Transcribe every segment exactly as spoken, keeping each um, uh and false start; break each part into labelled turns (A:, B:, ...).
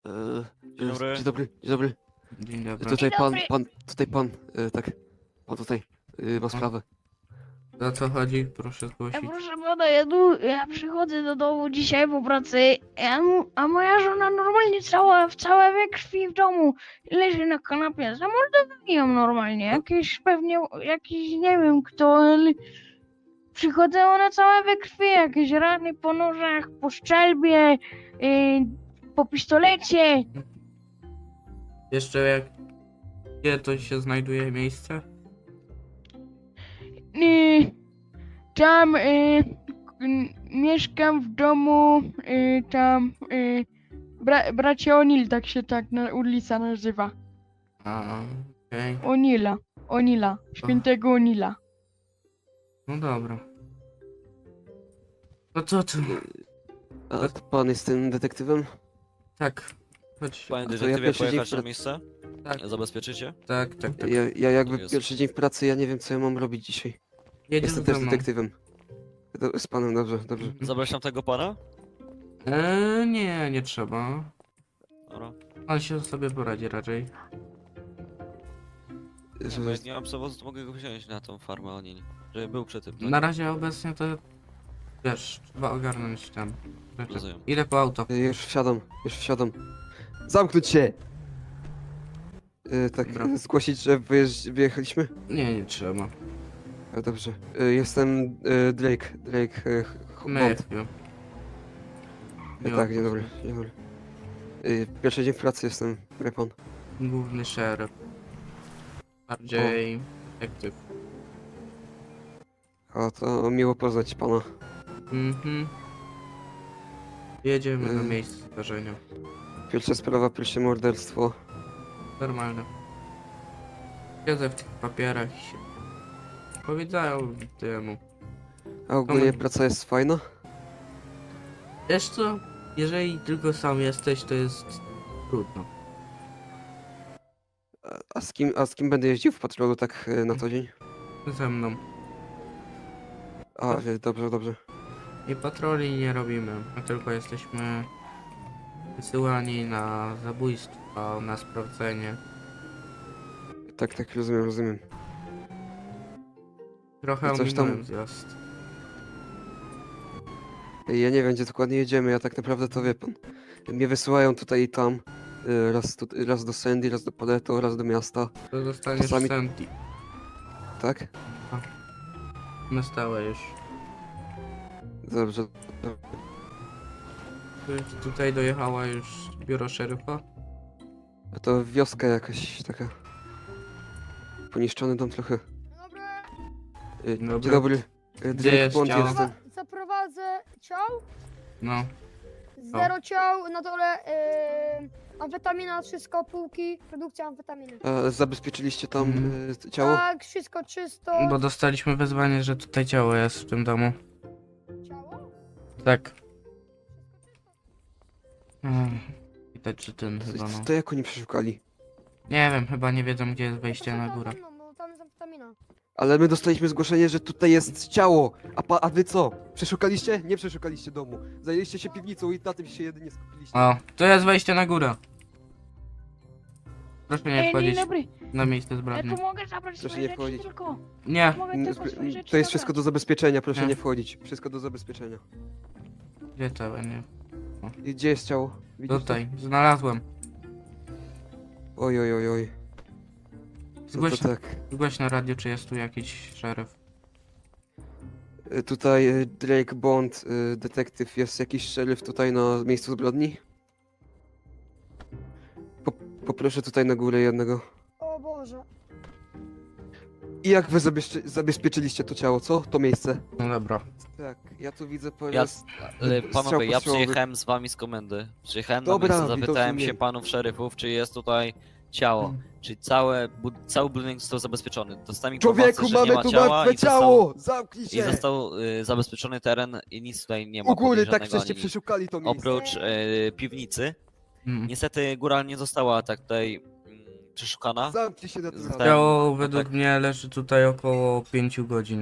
A: E,
B: Dzień dobry.
A: Dzień dobry, dzień dobry.
C: Dzień dobry.
A: Tutaj
D: Dzień
A: pan,
D: dobry.
A: pan, tutaj pan, e, tak. Pan tutaj e, ma sprawę.
C: O co chodzi? Proszę
D: Ja,
C: zgłosić.
D: proszę pana, ja, tu, ja przychodzę do domu dzisiaj po pracy, a, mu- a moja żona normalnie cała, w całe we krwi w domu leży na kanapie. Zamordowali ją normalnie. Jakiś pewnie, jakiś nie wiem kto, ale przychodzę, ona cała we krwi, jakieś rany po nożach, po strzelbie, yy, po pistolecie.
C: Jeszcze jak... Gdzie to się znajduje miejsce?
D: Yy, tam yy, k- mieszkam w domu, yy, tam yy, bra, bracie O'Neill, tak się tak na, ulica nazywa.
C: A, okej.
D: O'Neilla, O'Neilla, świętego O'Neilla.
C: No dobra. No co tu?
A: A to pan jest tym detektywem?
C: Tak. Chodź.
B: Panie
A: to ja
B: detektywie,
A: pierwszy dzień
B: pojechać
A: w
B: na
A: pra-
B: miejsce?
C: Tak,
B: Zabezpieczycie?
C: tak, tak, tak.
A: Ja, ja jakby
B: jest.
A: pierwszy dzień w pracy, ja nie wiem co ja mam robić dzisiaj.
C: Jedziesz
A: Jestem
C: ze
A: też
C: mną.
A: detektywem. Do, z panem, dobrze, dobrze.
C: Mhm.
B: Zapraszam tego pana?
C: Eee, nie, nie trzeba.
B: Dobra.
C: On się sobie poradzi raczej.
B: Nie, bo
A: Że,
B: jak nie mam przewozu, to mogę go wziąć na tą farmę O'Neill. Żeby był przy tym, tak?
C: Na razie obecnie to... Wiesz, trzeba ogarnąć tam rzeczy.
B: Rozumiem.
C: Idę po auto.
A: e, już wsiadam, już wsiadam. Zamknąć się! E, tak,
C: Dobra.
A: e, zgłosić, że wyjeżdż, wyjechaliśmy?
C: Nie, nie trzeba.
A: E, dobrze. E, jestem e, Drake, Drake e, Ch- Bond.
C: Matthew.
A: E, tak, dzień dobry, dzień dobry. E, pierwszy dzień w pracy jestem, wie pan.
C: Główny szeryf. Bardziej... Detektyw.
A: A to miło poznać pana.
C: Mhm. Jedziemy na
A: Y.
C: miejsce zdarzenia.
A: Pierwsza sprawa, pierwsze morderstwo.
C: Normalne. Siedzę w tych papierach i się... Powiedziałem temu.
A: A ogólnie
C: Moment.
A: praca jest fajna?
C: Wiesz co? Jeżeli tylko sam jesteś, to jest... trudno.
A: A, a, z kim, a z kim będę jeździł w patrolu tak e, na co dzień?
C: Ze mną.
A: A, e, dobrze, dobrze.
C: I patroli nie robimy. My tylko jesteśmy... wysyłani na zabójstwo, na sprawdzenie.
A: Tak, tak, rozumiem, rozumiem.
C: Trochę
A: I coś tam-
C: ominąłem zjazd.
A: E, Ja nie wiem, gdzie dokładnie jedziemy, ja tak naprawdę to wie pan. Mnie wysyłają tutaj i tam. e, Raz, tu, raz do Sandy, raz do Paleto, raz do miasta.
C: To zostaniesz
A: Czasami-
C: w Santi.
A: Tak?
C: Na stałe już.
A: Dobrze.
C: Tu- Tutaj dojechała już biuro szeryfa.
A: A to wioska jakaś taka. Poniszczony dom trochę.
E: Dobra,
A: E,
C: Dobra.
A: Dzień dobry. E,
C: Gdzie
A: Drake
C: jest
A: Bond
C: ciało?
A: jestem.
E: zaprowa- zaprowadzę ciał,
C: No.
E: zero ciał, na dole yy, amfetamina, wszystko, półki, produkcja amfetaminy.
A: A zabezpieczyliście tam
C: Mhm.
A: e, ciało?
E: Tak, wszystko czysto.
C: Bo dostaliśmy wezwanie, że tutaj ciało jest w tym domu.
E: Ciało?
C: Tak. Mm, Widać, że ten chyba
A: To,
C: no.
A: to jak oni przeszukali?
C: Nie wiem, chyba nie wiedzą, gdzie jest
E: No to
C: wejście
E: są
C: na
E: tam
C: górę.
E: za mną, bo tam jest amfetamina.
A: Ale my dostaliśmy zgłoszenie, że tutaj jest ciało. A, pa, a wy co? Przeszukaliście? Nie przeszukaliście domu. Zajęliście się piwnicą i na tym się jedynie skupiliście.
C: O, to jest wejście na górę. Proszę nie
D: Ej, dzień
C: wchodzić
D: dobry,
C: na miejsce
D: ja
C: zbrodni.
D: tu mogę zabrać
A: Proszę
D: swoje
A: nie
D: rzeczy
A: wchodzić.
D: tylko.
C: Nie,
D: Mogę
A: N-
D: tylko
A: zb-
D: swoje rzeczy
A: To jest
D: zabrać.
A: wszystko do zabezpieczenia, proszę
C: Nie.
A: nie wchodzić. Wszystko do zabezpieczenia.
C: gdzie całe, nie?
A: I gdzie jest ciało? Widzisz
C: Tutaj, znalazłem.
A: to? Oj, oj, oj, oj. No
C: Zgłoś,
A: to tak.
C: zgłoś na radio, czy jest tu jakiś szeryf.
A: Y, Tutaj y, Drake Bond, y, detektyw. Jest jakiś szeryf tutaj na miejscu zbrodni? Po, poproszę tutaj na górę jednego.
E: O Boże.
A: I jak wy zabezpie zabezpieczyliście to ciało, co? To miejsce?
C: No dobra.
A: Tak, ja tu widzę po
B: Ja,
A: raz...
B: ale
A: strzał
B: panowie, ja
A: postrzałowy.
B: przyjechałem z wami z komendy. Przyjechałem
A: Dobra,
B: na miejsce, zapytałem
A: widocznie.
B: się panów szeryfów, czy jest tutaj ciało. Czyli całe, bu- cały budynek został zabezpieczony. Dostałem informację,
A: Człowieku,
B: że nie
A: mamy
B: ma
A: tu
B: ciała
A: martwe
B: i został,
A: ciało! Zamknij
B: i
A: się!
B: został y, zabezpieczony teren i nic tutaj nie ma
A: U góry, tak
B: podejrzanego
A: żeście
B: ani nic.
A: przeszukali to miejsce.
B: Oprócz y, piwnicy.
C: Mm.
B: Niestety góra nie została tak tutaj mm, przeszukana.
A: Zamknij się na to
B: Zostałem-
A: samo.
C: Ciało
B: no
C: według
B: tak.
C: mnie leży tutaj około pięciu godzin.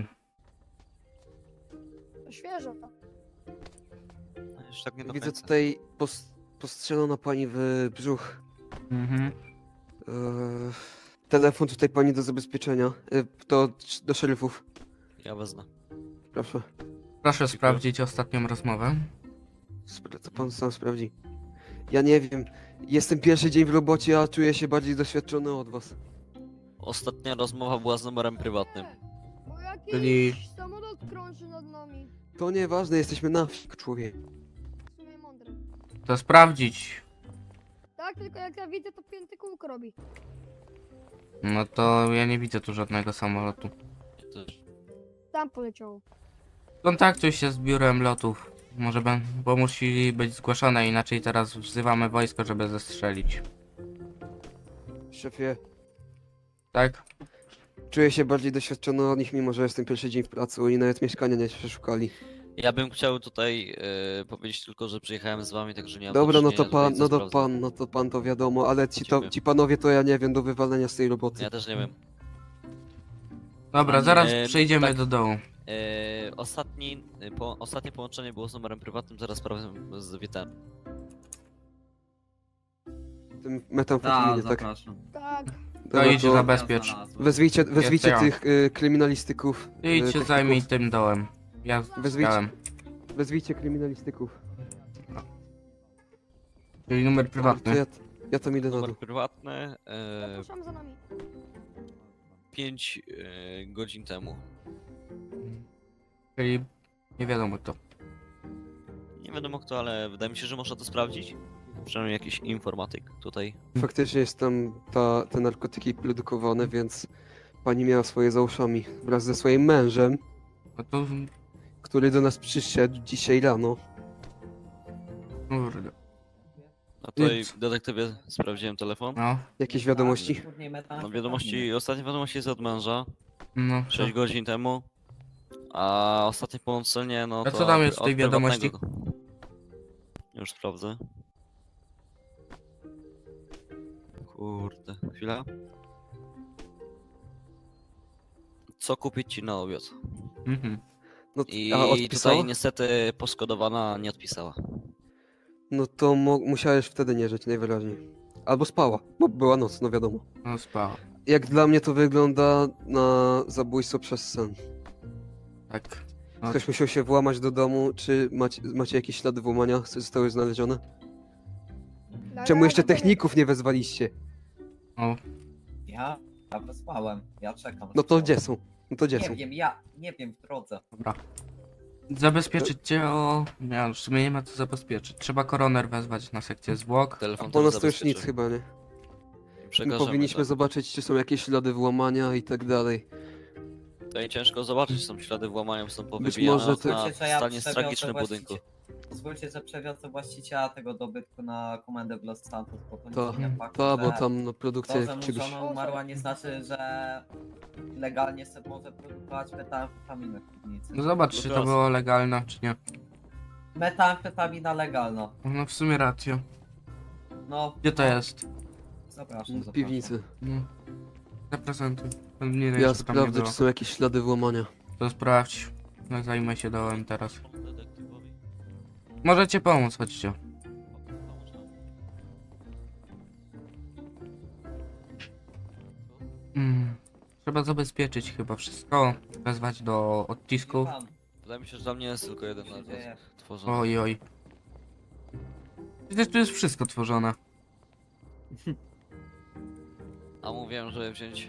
E: To świeżo tak.
B: Już tak nie do
A: Widzę
B: końca.
A: tutaj pos postrzelono pani w brzuch.
C: Mhm.
A: Eee, telefon tutaj pani do zabezpieczenia. Eee, to do szeryfów.
B: Ja wezmę.
A: Proszę.
C: Proszę sprawdzić ostatnią rozmowę.
A: Spra- to pan sam sprawdzi. Ja nie wiem. Jestem pierwszy dzień w robocie, a czuję się bardziej doświadczony od was.
B: Ostatnia rozmowa była z numerem prywatnym.
E: Bo jakiś
C: Czyli-
E: samolot krąży nad nami.
A: To nieważne, jesteśmy na wsi, człowiek.
E: W sumie mądre.
C: To sprawdzić.
E: Tak, tylko jak ja widzę, to pięty kółko robi.
C: No to ja nie widzę tu żadnego samolotu.
B: Ja też.
E: Tam poleciało.
C: Kontaktuj się z biurem lotów. Może ben, bo musi być zgłoszone, inaczej teraz wzywamy wojsko, żeby zestrzelić.
A: Szefie,
C: Tak?
A: czuję się bardziej doświadczony od nich, mimo że jestem pierwszy dzień w pracy. Oni nawet mieszkania nie przeszukali.
B: Ja bym chciał tutaj e, powiedzieć tylko, że przyjechałem z wami, także nie mam
A: Dobra, no
B: do
A: to
B: czynienia
A: pan,
B: tutaj
A: no
B: ze
A: to
B: sprawdzą.
A: pan, no to pan to wiadomo, ale ci, to,
B: Lecimy.
A: ci panowie to ja nie wiem, do wywalenia z tej roboty.
B: Ja też nie wiem.
C: Dobra,
B: Panie,
C: zaraz
B: e,
C: przejdziemy
B: tak.
C: do dołu.
B: E, ostatni, e, po, ostatnie połączenie było z numerem prywatnym, zaraz sprawdzę z Witem.
A: Tym
F: Tak,
A: metamfetaminie, tak?
F: zapraszam.
E: Tak.
A: Dobra,
C: To idź
A: to
C: zabezpiecz.
F: Ja znalazłem.
A: Wezwijcie, wezwijcie
C: ja.
A: tych y, kryminalistyków.
C: Ty
A: y,
C: idź się
A: techników.
C: zajmij tym dołem. Ja
A: Wezwijcie.
C: chciałem.
A: Wezwijcie kryminalistyków.
C: Czyli numer
A: To
C: prywatny.
A: ja, ja tam idę na
B: Numer
A: dół.
B: prywatny, e,
E: Zapraszam za nami.
B: pięć e, godzin temu.
C: Czyli nie wiadomo kto.
B: Nie wiadomo kto, ale wydaje mi się, że można to sprawdzić. Przynajmniej jakiś informatyk tutaj.
A: Faktycznie jest tam ta, te narkotyki produkowane, więc pani miała swoje za uszami wraz ze swoim mężem,
C: No to...
A: który do nas przyszedł dzisiaj rano.
C: Kurde.
B: A tutaj
A: Nic.
B: w detektywie sprawdziłem telefon.
C: No,
A: Jakieś wiadomości?
B: No wiadomości, ostatnie wiadomości jest od męża,
C: no.
B: sześć godzin temu. A ostatnie połączenie, no
C: A
B: to
C: co tam jest w
B: od
C: tej wiadomości?
B: prywatnego. Już sprawdzę. Kurde, chwila. Co kupić ci na obiad?
C: Mhm.
A: No,
B: I
A: a odpisała?
B: tutaj niestety poszkodowana nie odpisała.
A: No to mo- musiałeś wtedy nie żyć najwyraźniej. Albo spała, bo była noc, no wiadomo.
C: No spała.
A: Jak dla mnie to wygląda na zabójstwo przez sen.
C: Tak. No,
A: Ktoś musiał się włamać do domu, czy macie, macie jakieś ślady włamania, które zostały znalezione? Czemu jeszcze techników nie wezwaliście?
C: o,
G: Ja? Ja wysłałem. Ja czekam.
A: No to gdzie są? No to gdzie
G: Nie
A: są?
G: wiem, ja nie wiem w drodze.
C: dobra. Zabezpieczyć cię o... Nie, w sumie nie ma co zabezpieczyć. Trzeba koroner wezwać na sekcję zwłok.
B: Telefon
A: Po
B: też
A: nas to już nic
B: zabezpieczy.
A: chyba, nie?
B: Przekażemy,
A: Powinniśmy
B: tak.
A: zobaczyć, czy są jakieś ślady włamania i tak dalej.
B: Tutaj ciężko zobaczyć, są ślady włamania, są
A: Być
B: powybijane
A: może
B: okna
A: to-
G: Pozwólcie,
B: w
G: że ja
B: stanie
G: przewiozę
B: tragicznym
G: właścicie-
B: budynku.
G: Pozwólcie, że przewiozę właściciela tego dobytku na komendę w Los Santos, bo to
A: To,
G: nic nie faktu,
A: to, bo
G: że
A: tam no,
G: to,
A: produkcja
G: że mu
A: czegoś...
G: żona umarła nie znaczy, że legalnie sobie może produkować metamfetaminę w piwnicy.
C: No zobacz, czy to
B: Teraz.
C: było legalne, czy nie.
G: Metamfetamina legalna.
C: No w sumie rację.
G: No,
C: Gdzie to jest?
G: zapraszam,
A: w
G: zapraszam.
A: piwnicy.
C: No. Zaprezentuj. Nie wiem,
A: Ja
C: co tam nie
A: sprawdzę,
C: było.
A: czy są jakieś ślady włamania.
C: To sprawdź. No, zajmę się dołem teraz.
B: Detektywowi.
C: Możecie pomóc, chodźcie. Mm. Trzeba zabezpieczyć chyba wszystko. Wezwać do odcisków.
G: Pan,
B: Wydaje mi się, że dla mnie jest tylko jeden
G: co się
B: na
G: dzieje?
B: tworzony.
C: Oj, oj. Przecież tu jest wszystko tworzone.
B: A mówiłem, żeby wziąć...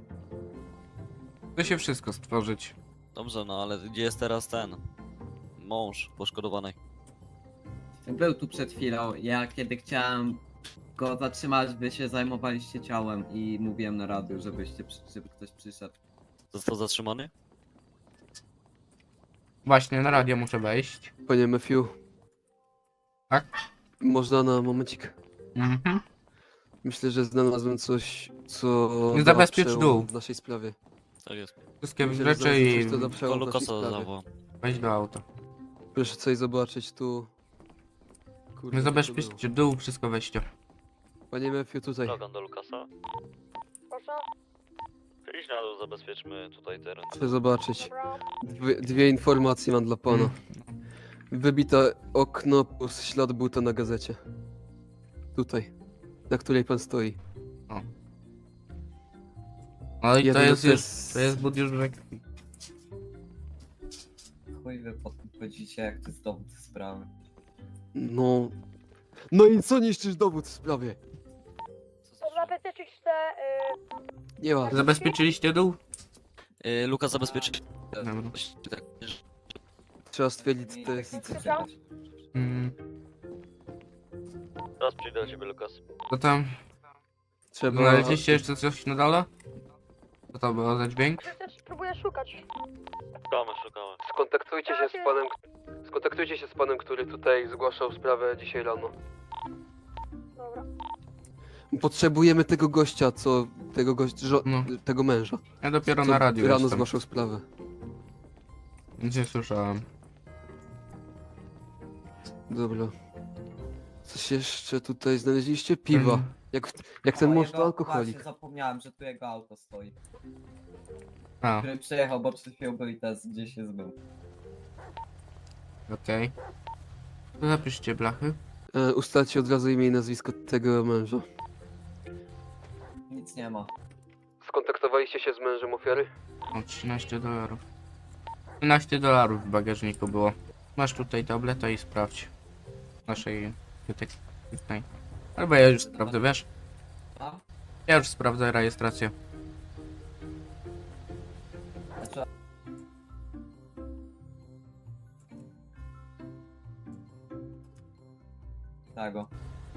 C: Da się wszystko stworzyć.
B: Dobrze, no ale gdzie jest teraz ten? Mąż poszkodowanej.
F: Był tu przed chwilą. Ja kiedy chciałem go zatrzymać, wy się zajmowaliście ciałem i mówiłem na radiu, żebyście, przy- żeby ktoś przyszedł.
B: Został zatrzymany?
C: Właśnie, na radio muszę wejść.
A: Panie Matthew.
C: Tak?
A: Można na momencik?
C: Mhm.
A: Myślę, że znalazłem coś, co...
C: Nie
A: da
C: zabezpiecz
A: przełom
C: dół.
A: w naszej sprawie.
B: Tak jest.
C: Wszystkie
A: Myślę, że
C: rzeczy
A: znalazłem
C: i
A: coś, co da
B: To
A: przełom w naszej
B: Lukasa
A: sprawie.
B: zawołał.
C: weź do auta.
A: Proszę coś zobaczyć tu. Kurde,
C: Nie
A: co to było?
C: zabezpieczcie dół, wszystko weźcie.
A: Panie Matthew, tutaj.
B: Logan do Lukasa.
E: Proszę.
B: Idź na dół, zabezpieczmy tutaj teren.
A: Chcę zobaczyć.
E: Dobra.
A: Dwie, dwie informacje mam dla pana.
C: Mm.
A: Wybite okno plus ślad buta na gazecie. Tutaj. Na której pan stoi.
C: No i to
A: Jeden
C: jest
A: to
C: już,
A: jest-
C: to jest but już we krwi.
G: Chuj wy potem chodzicie, jak to jest dowód sprawy.
A: No... No i co niszczysz dowód w sprawie?
E: Zabezpieczyć te... y,
A: Nie ma.
C: Zabezpieczyliście dół?
B: Y, Luka zabezpieczy.
C: Dobra.
B: Tak,
A: Trzeba stwierdzić, co
G: I
A: to
G: tak
A: jest.
G: nic nie czekać.
C: Mm,
B: Teraz przyjdę do ciebie, Lukas.
C: co tam?
A: Trzeba...
C: Znaleźliście jeszcze coś na dole? Co to było za dźwięk?
E: Próbuję szukać.
B: Szukamy, szukamy.
A: Skontaktujcie się z panem... Skontaktujcie się z panem, który tutaj zgłaszał sprawę dzisiaj rano.
E: Dobra.
A: Potrzebujemy tego gościa, co... Tego gościa... Żo...
C: No.
A: Tego męża.
C: Ja dopiero
A: co
C: na radiu
A: rano
C: jestem.
A: zgłaszał sprawę.
C: Nic nie słyszałem.
A: Dobra. Coś jeszcze tutaj znaleźliście? Piwa.
C: Mhm.
A: Jak, jak ten
G: O,
A: mąż
G: jego-
A: to alkoholik.
G: Właśnie zapomniałem, że tu jego auto stoi.
C: A,
G: Który przyjechał, bo przed chwilą był i teraz gdzieś jest był.
C: okej. To zapiszcie blachy.
A: E, ustalcie od razu imię i nazwisko tego męża.
G: Nic nie ma.
A: Skontaktowaliście się z mężem ofiary?
C: O, trzynaście dolarów. trzynaście dolarów w bagażniku było. Masz tutaj tabletę i sprawdź. Naszej detektywnej. Albo ja już sprawdzę, wiesz?
G: A?
C: Ja już sprawdzę rejestrację.
G: Znaczy... Tego.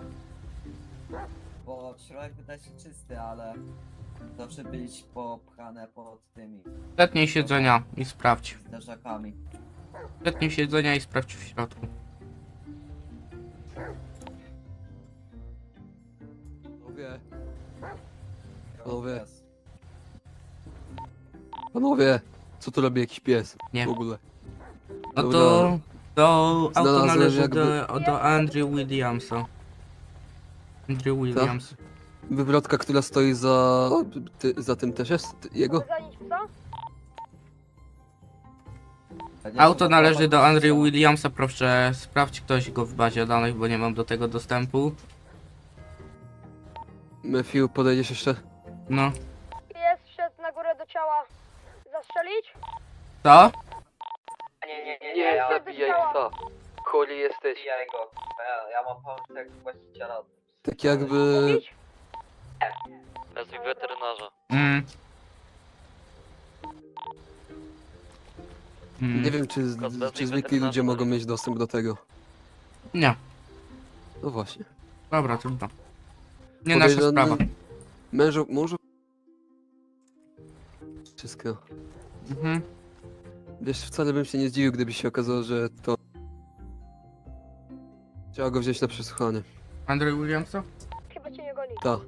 G: Bo środek wydaje się czysty, ale zawsze być popchane pod tymi
C: Zetnij siedzenia i sprawdź.
G: zderzakami.
C: Zetnij siedzenia i sprawdź w środku.
A: Panowie. Panowie.
G: Jest.
A: Panowie. Co tu robi jakiś pies?
C: Nie.
A: W ogóle.
C: No
A: Dobra.
C: to... To auto
A: Znalazłem
C: należy
A: jakby-
C: do, do Andrew Williamsa. Andrew Williams.
A: Wywrotka, która stoi za... Ty, za tym też jest? Ty, jego?
E: Zanić psa?
C: Auto należy do Andrew Williamsa, proszę sprawdź ktoś go w bazie danych, bo nie mam do tego dostępu.
A: Matthew, podejdziesz jeszcze?
C: No.
E: Jest, szedł na górę do ciała. Zastrzelić?
C: Co?
G: Nie, nie, nie,
A: Nie,
E: ja-
A: zabijaj psa. Chory jesteś.
G: Zabijaj go. Ja, ja mam pomysł jak właściciela.
A: Tak jakby...
E: Mówić?
B: Nazwij weterynarza.
C: Mm. Mm.
A: Nie wiem, czy,
B: Kozłowski
A: czy zwykli
B: weterynarza
A: ludzie mogą
B: dalej.
A: mieć dostęp do tego.
C: Nie.
A: No właśnie.
C: Dobra, trudno. Nie nasza
A: Podejrzany-
C: sprawa.
A: Mężu... Mążu... Wszystko.
C: Mhm.
A: Wiesz, wcale bym się nie zdziwił, gdyby się okazało, że to... Trzeba go wziąć na przesłuchanie.
C: Andrew Williamsa?
E: Chyba cię nie goni.
A: Ta.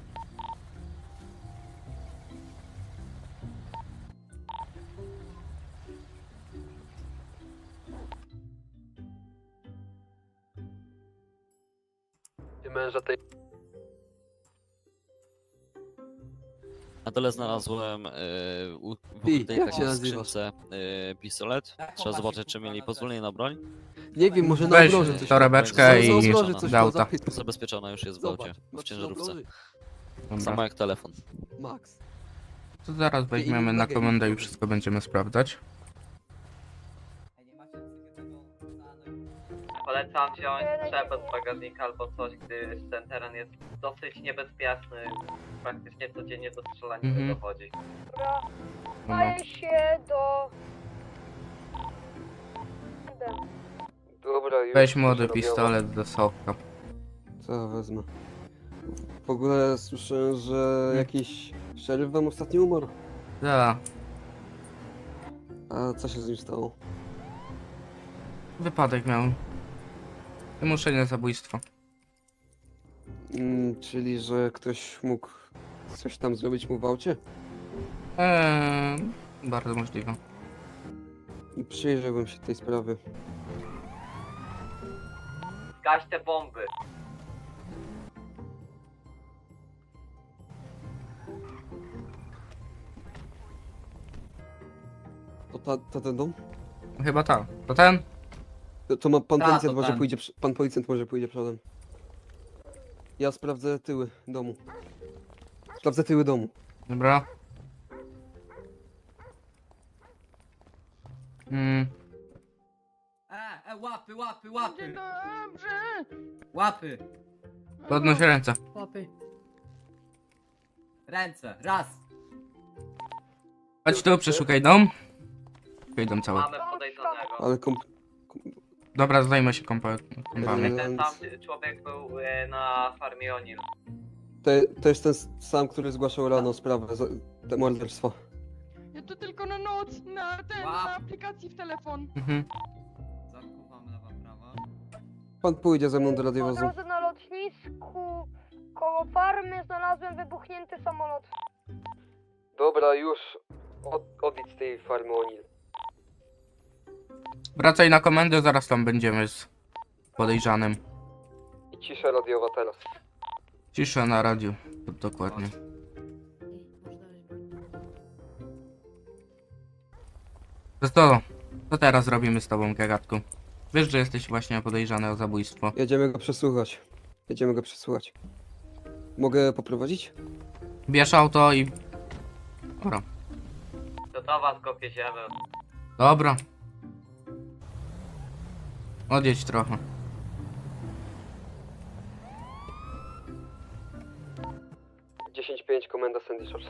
A: Męża tej...
B: Na dole znalazłem y, u- w
A: Ty,
B: ukrytej
A: jak
B: takiej
A: się nazywasz?
B: skrzynce y, pistolet. Trzeba zobaczyć, czy mieli pozwolenie na broń.
A: Nie wiem, może na
C: Weź
A: obroży coś...
C: torebeczkę
A: Za- za
C: i
A: obroży coś
C: do auta.
A: zapytaj.
B: Zabezpieczona już jest w
A: Zobacz,
B: aucie, w
A: masz
B: ciężarówce.
A: na obroży?
C: Dobra.
B: Samo jak telefon.
A: Max.
C: To zaraz weźmiemy na komendę i wszystko będziemy sprawdzać.
G: Polecam wziąć sprzęt z bagażnika albo coś, gdyż ten teren jest dosyć niebezpieczny. Praktycznie codziennie do strzelania
C: Mhm.
G: dochodzi.
E: Dobra.
C: No.
E: Daję się do...
A: Dobra, już.
C: Weź młody
A: zrobione.
C: pistolet do soka.
A: Co wezmę? W ogóle słyszałem, że jakiś szeryf wam ostatnio umarł.
C: Da.
A: A co się z nim stało?
C: Wypadek miał. Wymuszenie zabójstwa.
A: Mm, czyli, że ktoś mógł coś tam zrobić mu w aucie?
C: Eee, bardzo możliwe.
A: Przyjrzałbym się tej sprawy.
G: Gaś te bomby.
A: To, ta, to ten dom?
C: Chyba tak. To ten?
A: To, to ma pan
G: Ta,
A: policjant
G: to
A: może
G: ten.
A: pójdzie, przy- pan policjant może pójdzie przodem. Ja sprawdzę tyły domu. Sprawdzę tyły domu.
C: Dobra. Mm,
F: E, e, łapy, łapy, łapy!
D: Dobrze.
F: Łapy!
C: podnoś ręce.
E: Łapy.
F: Ręce, raz!
C: Chodź tu, przeszukaj dom. Szukaj dom cały.
G: Mamy podejrzanego.
A: Ale komp...
C: Dobra, zajmę się kompa kompami.
A: Eee,
G: Ten sam człowiek był e, na farmie Onil.
A: To, to jest ten sam, który zgłaszał rano sprawę, za, te morderstwo.
D: Ja to tylko na noc, na ten,
F: Łap.
D: na aplikacji w telefon.
C: Mhm.
F: Zakuwam lewa, prawa.
A: Pan pójdzie ze mną do
E: Po
A: radiowozu.
E: drodze na lotnisku koło farmy znalazłem wybuchnięty samolot.
A: Dobra, już. Od, odjdź z tej farmy O'Neill.
C: Wracaj na komendę, zaraz tam będziemy z podejrzanym.
A: I cisza radiowa teraz.
C: Cisza na radiu. Dokładnie. To co? Co teraz robimy z tobą, gagatku? Wiesz, że jesteś właśnie podejrzany o zabójstwo.
A: Jedziemy go przesłuchać. Jedziemy go przesłuchać. Mogę poprowadzić?
C: Bierz auto i... Dobra.
G: Gotowa, skopie ziemię.
C: Dobra. Odjedź trochę.
A: dziesięć pięć, komenda Sandy Shores.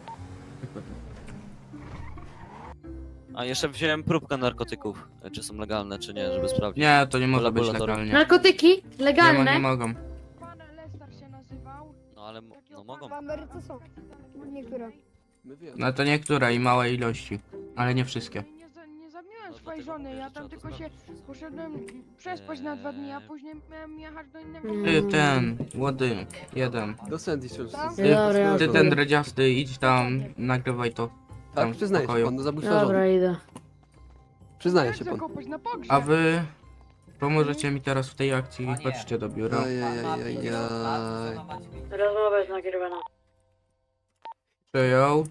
B: A jeszcze wziąłem próbkę narkotyków. e, Czy są legalne, czy nie, żeby sprawdzić.
C: Nie, to nie może być
B: Laboratorium.
C: legalnie.
E: Narkotyki
C: Nie, mo-
E: legalne.
C: nie mogą.
D: Pan Lester się nazywał.
B: No ale m- no mogą.
E: W Ameryce są. Niektóre.
A: My wiemy.
C: No to niektóre i małe ilości. Ale nie wszystkie.
D: Nie, za, nie zabiłem
B: No
D: swojej
B: dlatego
D: żony,
B: mówię,
D: ja
B: że
D: tam
B: trzeba to
D: tylko się
B: sprawdzić.
D: poszedłem przespać na dwa dni, a
B: Eee.
D: później miałem jechać do innego
E: Mm.
C: Ty ten, młody, jeden.
A: Do Sandy Shores.
E: Tam?
C: Ty,
E: Dobra,
C: ty
E: ja
C: ten dredziasty, idź tam, nagrywaj to. tam
A: Tak,
C: w
A: przyznaje się
C: pokoju.
A: pan do zabójstwa żony.
E: idę.
A: Przyznaje
D: Jak
A: się pan.
D: zakopać na pogrzeb.
C: A wy pomożecie mi teraz w tej akcji, chodźcie do biura.
A: Ajajajajaj.
E: Rozmowa jest nagrywana.
C: Przejął.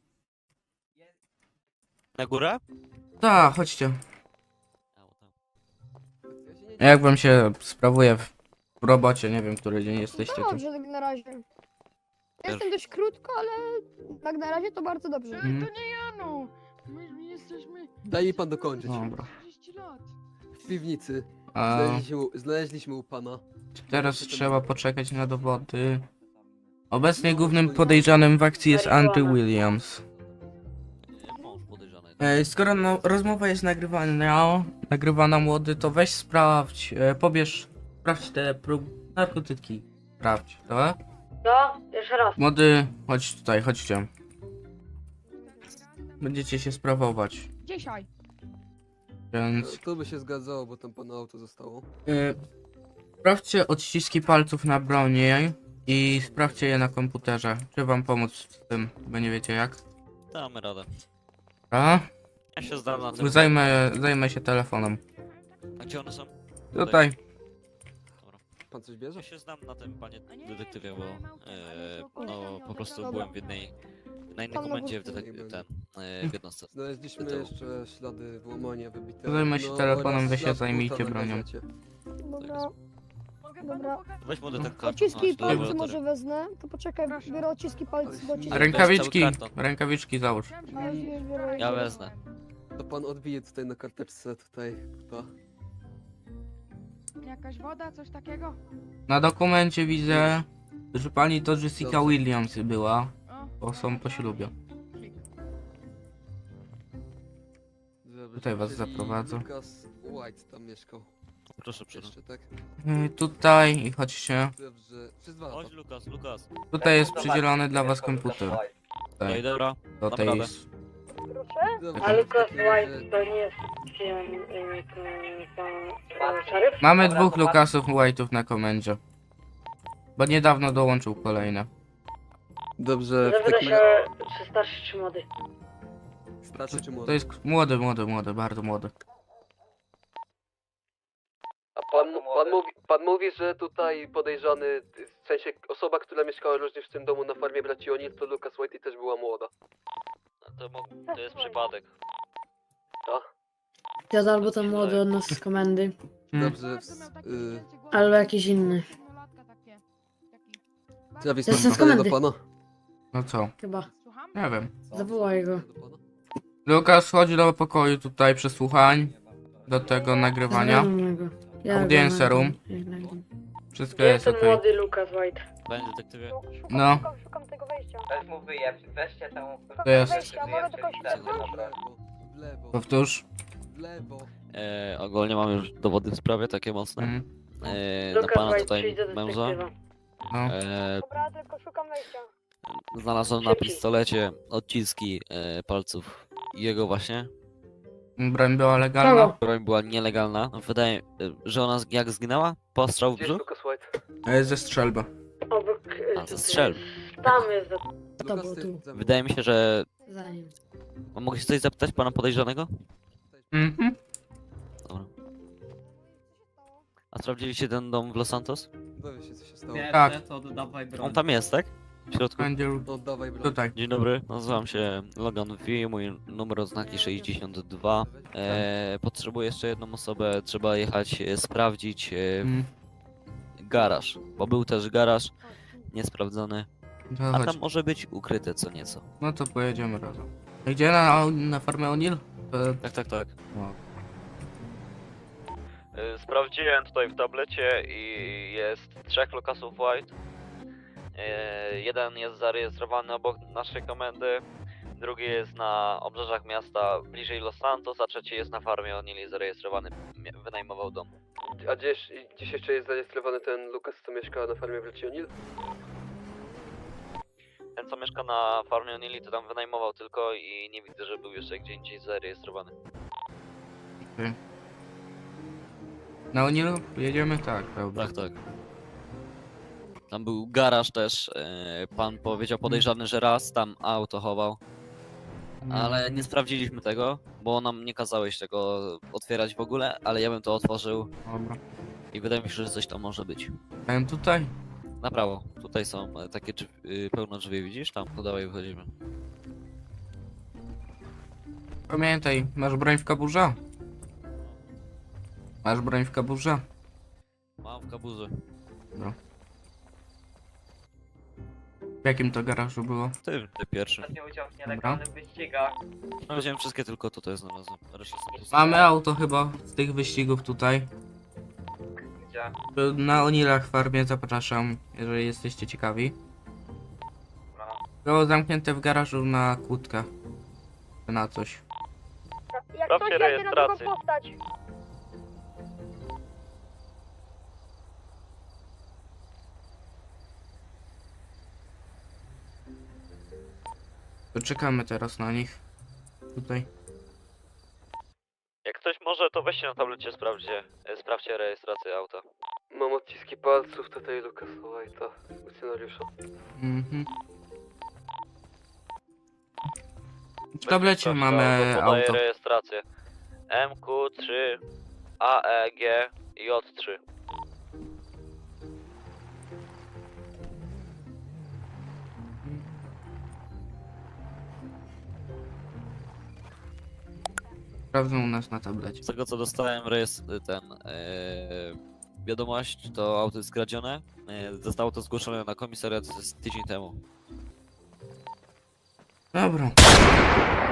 B: Na górę?
C: Tak, chodźcie.
B: Au, tam.
C: Jak wam się sprawuje w w robocie, nie wiem, który dzień jesteście tu.
E: Dobrze, tak na razie. Jestem dość krótko, ale tak na razie to bardzo dobrze.
D: E,
C: Mhm.
D: To nie ja no. My, my jesteśmy
A: Daj mi pan dokończyć.
C: Dobra.
D: trzydzieści lat.
A: W piwnicy.
C: A
A: Znaleźliśmy, u- znaleźliśmy u pana.
C: teraz trzeba poczekać na dowody. Obecnie głównym podejrzanym w akcji jest Andrew Williams.
B: Nie, Mąż podejrzany.
C: E, skoro no, rozmowa jest nagrywana, nagrywana młody, to weź sprawdź, e, pobierz, sprawdź te prób narkotyki. Sprawdź, dobra?
E: No, jeszcze raz.
C: Młody, chodź tutaj, chodźcie. Będziecie się sprawować,
D: Dzisiaj.
C: więc...
A: To by się zgadzało, bo tam pana auto zostało.
C: E, sprawdźcie odciski palców na broni i sprawdźcie je na komputerze. Czy wam pomóc z tym, bo nie wiecie jak?
B: Damy radę.
C: A?
B: Ja się zdam na tym.
C: Zajmę, zajmę się telefonem.
B: A gdzie one są?
C: Tutaj.
A: Pan coś bierze?
B: Ja się znam na tym, panie
D: A nie,
B: detektywie, bo
D: to ja mam to, ale
B: e,
D: to
B: no
D: kolega
B: po prostu
E: Dobra.
B: byłem w jednej, na innej
E: Tam na
B: komendzie w,
E: górce.
B: detek- ten, e, w jednostce.
A: Znaleźliśmy
B: Do tyłu.
A: jeszcze ślady włamania wybite.
C: Zajmę się telefonem,
A: oraz
C: wy się
A: ślad
C: zajmijcie
A: buta na
C: bronią.
A: gazecie.
E: Dobra.
D: Mogę
E: Dobra.
D: panu pokazać?
B: Weź młody ten karton,
E: Odciski
B: chodź do
E: palców
B: laboratorium.
E: może wezmę. To poczekaj,
D: Proszę.
E: biorę odciski palców do odcisków.
B: Ale
C: Rękawiczki,
B: cały karton.
C: rękawiczki załóż.
D: Chciałem,
E: A,
D: żeby-
E: już biorę.
B: Ja wezmę.
A: To pan odbije tutaj na karteczce tutaj. Ta.
D: Jakaś woda, coś takiego?
C: Na dokumencie widzę, że pani to Jessica
A: Dobrze.
C: Williams była,
D: O,
C: bo są po ślubie.
A: Dobrze,
C: Tutaj was
A: czyli
C: zaprowadzę.
A: Lucas White tam mieszkał.
B: Proszę przyjść.
A: Jeszcze, tak?
C: Yy, tutaj i chodźcie.
A: Dobrze. Przez dwa
B: Chodź
A: lata.
B: Lukas, Lukas.
C: Tutaj jest przydzielony dla was komputer.
B: No
C: Tutaj,
B: i dobra.
C: do tej...
B: Naprawdę.
A: Dobrze,
E: A
A: w
E: Lucas
A: takim razie-
E: White to nie jest pan szeryf?
C: Mamy dwóch Lucasów White'ów na komendzie. Bo niedawno dołączył kolejne.
A: Dobrze, w takim razie...
E: czy starszy, czy młody?
A: Starszy czy młody?
C: To jest młody, młody, młody, bardzo młody.
A: A pan, pan, mówi, pan mówi, że tutaj podejrzany, w sensie osoba, która mieszkała również w tym domu na farmie braci O'Neill, to Lucas White i też była młoda.
B: To, mo- to jest przypadek.
A: Tak?
H: Ja albo ten młody od nas z komendy,
C: Hmm.
A: Dobrze,
D: każdy miał takie
A: y,
D: zdjęcie głowy,
H: albo jakiś inny.
D: siedmiolatka takie.
A: Travis,
H: To
A: masz
H: jest z
A: pytanie do
H: komendy.
A: pana?
C: No co?
H: Chyba.
C: Nie wiem.
H: Zawołaj go.
A: Do pana?
C: Lukas, chodź do pokoju tutaj przesłuchań. Do tego nagrywania.
H: Zadzwonię do niego. Ja go
C: Audience
H: nagram.
C: room.
H: Jak nagram.
C: Wszystko jest okej.
H: Lukas White.
B: Panie detektywie.
E: Szukam,
C: No.
E: szukam, szukam tego wejścia.
G: Weź mu wyjeb, weźcie temu...
C: To jest.
E: Wejścia, mogę tylko się
A: W
E: cofnąć?
A: lewo, w lewo,
C: Powtórz.
A: w lewo.
B: E, ogólnie mam już dowody w sprawie takie mocne.
C: Mhm.
B: E, na pana tutaj męża.
C: No.
B: E,
E: Dobra, tylko szukam wejścia.
B: znalazłem na pistolecie odciski e, palców jego właśnie.
C: Broń była legalna.
H: Kogo?
B: Broń była nielegalna. Wydaje e, że ona z- jak zginęła? Postrzał w
A: Gdzie jest
B: brzuch?
A: Lucas White?
C: E, Ze strzelby.
H: Obok...
B: A, ze strzelb.
H: Tam jest. To
A: Lucas,
H: było
A: ty,
H: tu.
A: ze mną.
B: Wydaje mi się, że...
H: Za nim.
B: A mogę się coś zapytać pana podejrzanego?
C: Mhm.
B: Dobra. A sprawdziliście ten dom w Los Santos?
A: Dowie się, co się stało.
F: Wiesz,
C: Tak.
F: to oddawaj broń.
B: On tam jest, tak? W środku?
C: Będzie
A: No, oddawaj broń.
C: tutaj.
B: Dzień dobry, nazywam się Logan V, mój numer oznaki sześćdziesiąt dwa. E, potrzebuję jeszcze jedną osobę, trzeba jechać e, sprawdzić e,
C: Mm.
B: garaż, bo był też garaż niesprawdzony,
C: To
B: a
C: chodź.
B: tam może być ukryte co nieco.
C: No to pojedziemy razem. Gdzie na, na farmę O'Neill? To-
B: Tak, tak, tak.
C: No.
B: E, Sprawdziłem tutaj w tablecie i jest trzech Lucasów White. E, Jeden jest zarejestrowany obok naszej komendy, drugi jest na obrzeżach miasta bliżej Los Santos, a trzeci jest na farmie O'Neill zarejestrowany, mia- wynajmował dom.
A: A gdzieś, gdzieś jeszcze jest zarejestrowany ten Lucas, co mieszka na farmie w Lecionil?
B: Ten co mieszka na farmie O'Neill to tam wynajmował tylko i nie widzę, że był jeszcze gdzie indziej zarejestrowany.
C: Na O'Neill jedziemy? Tak, dobra.
B: Tak, tak. Tam był garaż też, e, pan powiedział podejrzany, że raz tam auto chował, ale nie sprawdziliśmy tego, bo nam nie kazałeś tego otwierać w ogóle, ale ja bym to otworzył
C: Dobra.
B: i wydaje mi się, że coś tam może być.
C: Dałem tutaj.
B: Na prawo, tutaj są e, takie drzwi, y, pełno drzwi, widzisz? Tam, to dawaj wychodzimy.
C: Pamiętaj, masz broń w kaburze? Masz broń w kaburze?
B: Mam w kaburze.
C: W jakim to garażu było?
B: Ty, ty pierwszy.
G: Ostatnio udział w nielegalnych wyścigach.
B: No wziąłem wszystkie tylko tutaj znalazłem. Resztę są puste.
C: Mamy auto chyba z tych wyścigów tutaj.
G: Gdzie?
C: Na O'Neillach farmie zapraszam, jeżeli jesteście ciekawi.
G: Dobra.
C: Było zamknięte w garażu na kłódkę. Czy na coś.
E: Jak
B: Sprawdźcie
E: coś jedzie na drugą
B: rejestrację.
E: postać.
C: To czekamy teraz na nich. Tutaj.
B: Jak ktoś może, to weźcie na tablecie, sprawdźcie, e, sprawdźcie rejestrację auta.
A: Mam odciski palców tutaj Lucas White'a, funkcjonariusza.
C: Mhm. W tablecie
B: Sprawdź
C: mamy
B: podaję
C: auto.
B: rejestrację. M Q trzy A E G J trzy.
C: Sprawdzą u nas na tablecie.
B: Z tego co dostałem rejestr, ten e, wiadomość, to auto jest skradzione. E, zostało to zgłoszone na komisariat z tydzień temu.
C: Dobra.